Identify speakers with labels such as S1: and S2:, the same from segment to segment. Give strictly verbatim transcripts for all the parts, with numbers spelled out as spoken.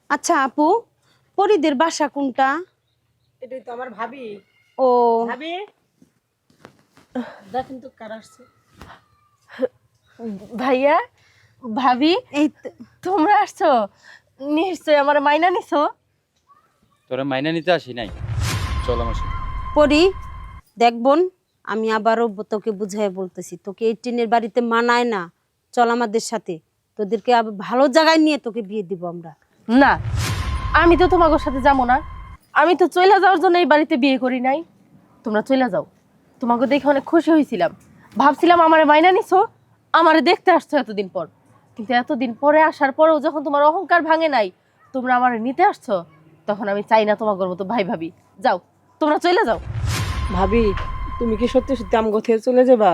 S1: আচ্ছা আপু, পরিদের বাসা কোনটা?
S2: এটাই তো আমার ভাবি।
S1: ও
S2: ভাবি দেখেন তো কার আসছে।
S3: ভাইয়া, ভাবি,
S1: এই তো।
S3: তোমরা আসছো? নিশ্চয় আমার মাইনা নিছো।
S4: তোরা মাইনা নিতে আসি নাই, চল আমার সাথে।
S1: পরি, দেখ বোন, আমি আবারও ব- তোকে বুঝাই বলতেছি, তোকে এই টিনের বাড়িতে মানায় না। চল আমাদের সাথে, তোদেরকে আবার ভালো জায়গায় নিয়ে তোকে বিয়ে দিব আমরা।
S3: না, আমি তো তোমাদের সাথে যাবো না। আমি তো চলে যাওয়ার জন্য এই বাড়িতে বিয়ে করি নাই। তোমরা চলে যাও। তোমাকে দেখে অনেক খুশি হয়েছিলাম, ভাবছিলাম আমারে মাইনা নিছো, আমারে দেখতে আসছো এতদিন পর। কিন্তু এতদিন পরে আসার পরেও যখন তোমার অহংকার ভাঙে নাই, তোমরা আমারে নিতে আসছো, তখন আমি চাই না তোমাদের মতো ভাই ভাবি। যাও, তোমরা চলে যাও।
S2: ভাবি তুমি কি সত্যি সত্যি আমগো থেকে চলে যাবা?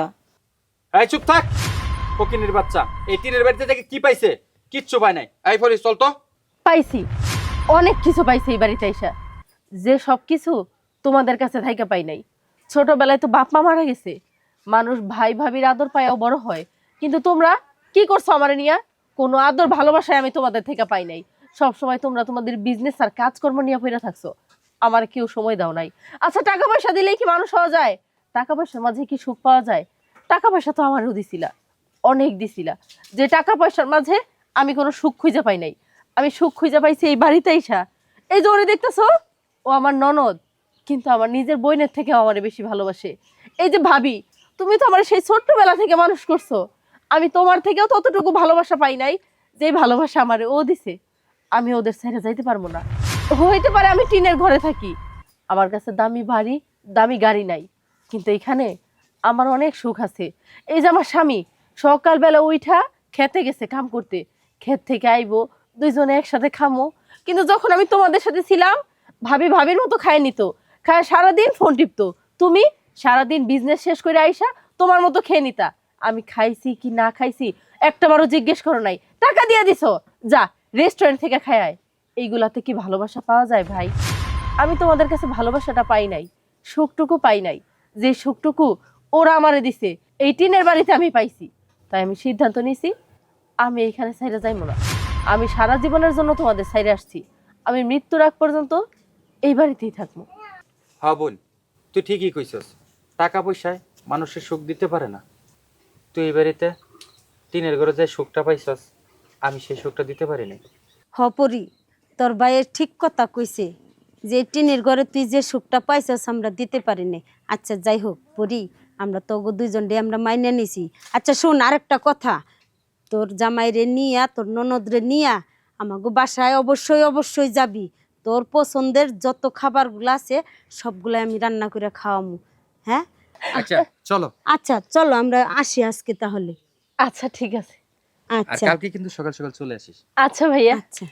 S4: এই চুপ থাক, ফকিনের বাচ্চা। এই টিনের বাড়িতে থেকে কি পাইছে? কিচ্ছু পায় নাই। এই ফরিস, চল তো।
S3: পাইছি, অনেক কিছু পাইছি এই বাড়িতে আইসা, যে সব কিছু তোমাদের কাছে থাইকা পাই নাই। ছোটবেলায় তো বাপ মা মারা গেছে, মানুষ ভাই ভাবির আদর পায়ও বড় হয়। কিন্তু তোমরা কি করছো আমারে নিয়া? কোনো আদর ভালোবাসায় আমি তোমাদের থেকে পাই নাই। সব সময় তোমরা তোমাদের বিজনেস আর কাজকর্ম নিয়ে পড়ে থাকছো, আমার কেউ সময় দাও নাই। আচ্ছা, টাকা পয়সা দিলেই কি মানুষ হওয়া যায়? টাকা পয়সার মাঝে কি সুখ পাওয়া যায়? টাকা পয়সা তো আমারও দিছিলা, অনেক দিছিলা, যে টাকা পয়সার মাঝে আমি কোনো সুখ খুঁজে পাই নাই। আমি সুখ খুঁজে পাইছি এই বাড়িতে আইসা। এই যে ওরে দেখতেছো, ও আমার ননদ, কিন্তু আমার নিজের বোনের থেকে আমারে বেশি ভালোবাসে। এই যে ভাবি, তুমি তো আমার সেই ছোট্টবেলা থেকে মানুষ করছো, আমি তোমার থেকেও ততটুকু ভালোবাসা পাই নাই যে ভালোবাসা আমারে ও দিছে। আমি ওদের ছেড়ে যাইতে পারবো না। হইতে পারে আমি টিনের ঘরে থাকি, আমার কাছে দামি বাড়ি দামি গাড়ি নাই, কিন্তু এখানে আমার অনেক সুখ আছে। এই যে আমার স্বামী সকালবেলা উইঠা খেতে গেছে কাম করতে, ক্ষেত থেকে আইবো, দুইজনে একসাথে খামো। কিন্তু যখন আমি তোমাদের সাথে ছিলাম, ভাবি ভাবির মতো খায় নিত, খায় সারাদিন ফোন টিপতো। তুমি সারাদিন বিজনেস শেষ করে আইসা তোমার মতো খেয়ে নিতা। আমি খাইছি কি না খাইছি একটাবারও জিজ্ঞেস করো নাই, টাকা দিয়ে দিছো, যা রেস্টুরেন্ট থেকে খায় আয়। এইগুলাতে কি ভালোবাসা পাওয়া যায় ভাই? আমি তোমাদের কাছে ভালোবাসাটা পাই নাই, সুখটুকু পাই নাই, যে সুখটুকু ওরা আমারে দিছে এই টিনের বাড়িতে আমি পাইছি। তাই আমি সিদ্ধান্ত নিছি, আমি এইখানে ছাইরে যাইবো না। আমি সারা জীবনের জন্য তোমাদের ছাইরে আসছি, আমি মৃত্যুর আগ পর্যন্ত এই বাড়িতেই থাকবো।
S4: হ্যাঁ বোন, তুই ঠিকই কইছস। টাকা পয়সায় মানুষের সুখ দিতে পারে না। তুই এই বাড়িতে টিনের ঘরে যে সুখটা পাইছস, আমি সেই সুখটা দিতে পারি নাই।
S1: হ পরি, তোর ভাইয়ের ঠিক কথা কইছে, যে এই টিনের ঘরে তুই যে সুখটা পাইছস আমরা দিতে পারি নাই। আচ্ছা যাই হোক পরি, আমরা তো দুইজন ডে আমরা মাইনে নিছি। আচ্ছা শোন, আরেকটা কথা, তোর জামাইরে নিয়া তোর ননদরে নিয়া আমাগো বাসায় অবশ্যই অবশ্যই যাবি। তোর পছন্দের যত খাবারগুলো আছে সবগুলো আমি রান্না করে খাওয়ামু। হ্যাঁ
S4: আচ্ছা চলো।
S1: আচ্ছা চলো আমরা আসি আজকে তাহলে।
S3: আচ্ছা ঠিক আছে।
S4: আর
S1: আচ্ছা
S4: কালকে কিন্তু সকাল সকাল চলে আসিস।
S3: আচ্ছা ভাইয়া।
S1: আচ্ছা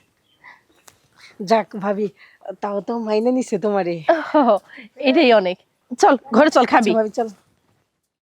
S2: যাক ভাবি, তাও তো মাইনে নিছে তোমারে।
S3: ওহ, এটাই অনেক। চল ঘরে চল, খাবি।
S2: আচ্ছা ভাবি চল।